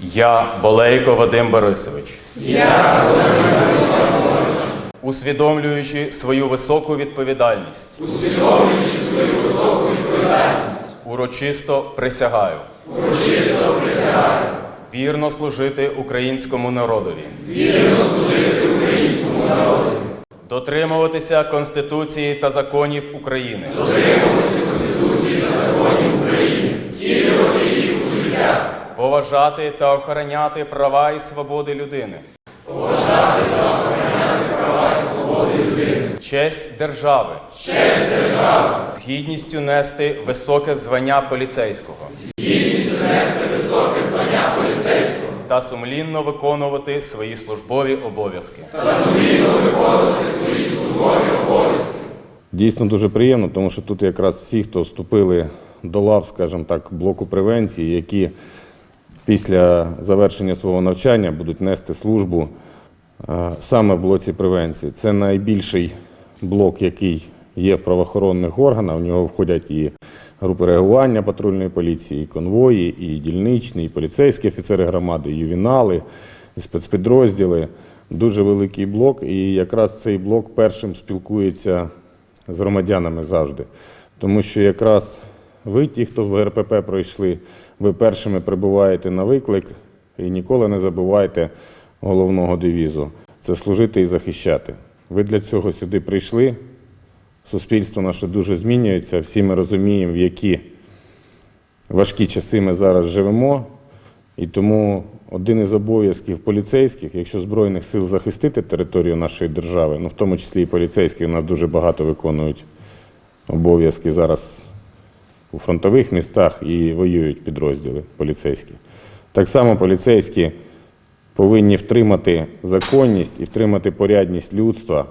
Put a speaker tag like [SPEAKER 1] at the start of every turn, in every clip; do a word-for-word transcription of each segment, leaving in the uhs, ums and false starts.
[SPEAKER 1] Я, Болейко Вадим Борисович,
[SPEAKER 2] Я,
[SPEAKER 1] усвідомлюючи свою високу відповідальність,
[SPEAKER 2] усвідомлюючи свою високу відповідальність,
[SPEAKER 1] урочисто присягаю
[SPEAKER 2] урочисто присягаю
[SPEAKER 1] вірно служити українському народові,
[SPEAKER 2] вірно служити українському народу,
[SPEAKER 1] дотримуватися Конституції та законів України,
[SPEAKER 2] дотримуватися Конституції та законів України, втілювати їх у життя,
[SPEAKER 1] поважати та охороняти права і свободи людини,
[SPEAKER 2] поважати та охороняти права і свободи людини,
[SPEAKER 1] честь держави,
[SPEAKER 2] честь держави,
[SPEAKER 1] з гідністю нести високе звання поліцейського
[SPEAKER 2] з гідністю нести високе звання поліцейського
[SPEAKER 1] та сумлінно виконувати свої службові обов'язки.
[SPEAKER 2] та сумлінно виконувати свої службові обов'язки.
[SPEAKER 3] Дійсно дуже приємно, тому що тут якраз всі, хто вступили до лав, скажімо так, блоку превенції, які після завершення свого навчання будуть нести службу саме в блоці превенції. Це найбільший блок, який є в правоохоронних органах. В нього входять і групи реагування патрульної поліції, і конвої, і дільничні, і поліцейські офіцери громади, і ювенали, і спецпідрозділи. Дуже великий блок, і якраз цей блок першим спілкується з громадянами завжди. Тому що якраз ви, ті, хто в ГРПП пройшли, ви першими прибуваєте на виклик і ніколи не забувайте головного девізу – це служити і захищати. Ви для цього сюди прийшли, суспільство наше дуже змінюється, всі ми розуміємо, в які важкі часи ми зараз живемо, і тому один із обов'язків поліцейських, якщо Збройних сил захистити територію нашої держави, ну в тому числі і поліцейські, у нас дуже багато виконують обов'язки зараз у фронтових містах і воюють підрозділи поліцейські. Так само поліцейські повинні втримати законність і втримати порядність людства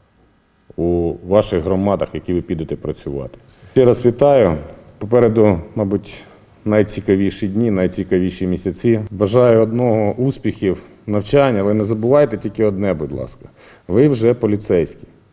[SPEAKER 3] у ваших громадах, які ви підете працювати. Ще раз вітаю. Попереду, мабуть, найцікавіші дні, найцікавіші місяці. Бажаю одного – успіхів, навчання, але не забувайте тільки одне, будь ласка. Ви вже поліцейські.